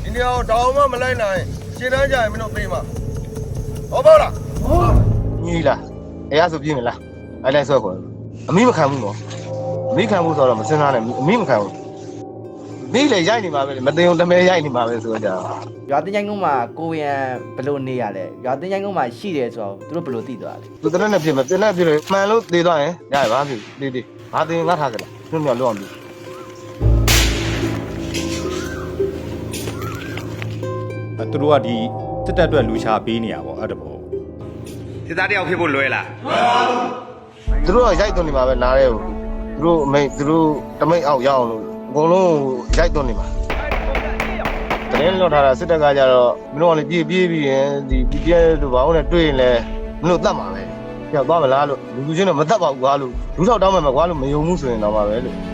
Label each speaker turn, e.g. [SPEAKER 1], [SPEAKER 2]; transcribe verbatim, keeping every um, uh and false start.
[SPEAKER 1] ဒီနေရာကိုတောင်းမှမလိုက်နိုင်ရှင်းတန်းကြရင်မင်းတို့ပြေးမှာဟောပေါ့လားဟုတ်ညီလားအဲ့ရဆိုပြေးမလားအဲ့လိုက်ဆွဲခေါ်အမိမခံဘူးနော်အမိခံဘူးဆိုတော့မစင်စားနဲ့အမိမခံဘူးမိလေရိုက်နေမှာပဲမသိအောင်တမဲရိုက်နေမှာပဲဆိုကြ
[SPEAKER 2] ရွာတင်းချိုင်းကုန်းမှာကိုရန်ဘယ်လိုနေရလဲရွာတင်းချိုင်းကုန်းမှာရှိတယ်ဆိုတော့သူတို့ဘယ်လိုသိသွားလဲ
[SPEAKER 1] သူတရက်နဲ့ဖြစ်မယ်တင်နဲ့ဖြစ်လို့မှန်လို့သေးသွားရင်ရရပါပြီတေးတေးဘာတင်ငါထားကြလားညွန့်ညွန့်လောက်အောင်ပြီ
[SPEAKER 3] သူတို့ကဒီစစ်တပ်အတွက်လူရှာပေးနေရပေါ့အဲ့တဘော
[SPEAKER 4] စစ်သားတယောက်ဖြစ်ဖို့လွယ်လား
[SPEAKER 1] သူတို့ကရိုက်သွင်းနေမှာပဲနားရဲဘူးသူတို့အမိတ်သူတို့တမိတ်အောက်ရအောင်လို့အကုန်လုံးရိုက်သွင်းနေမှာတရင်လွတ်ထားတာစစ်တပ်ကကြတော့မင်းတို့ကလည်းပြေးပြေးပြီးရင်ဒီပြည့်တို့ဘာလို့လဲတွေ့ရင်လဲမင်းတို့တတ်မှာပဲကြောက်သွားမလားလို့လူလူချင်းတော့မတတ်ပါဘူးကွာလို့လူထောက်တောင်းမှမကွာလို့မယုံဘူးဆိုရင်တော့ပါပဲလို့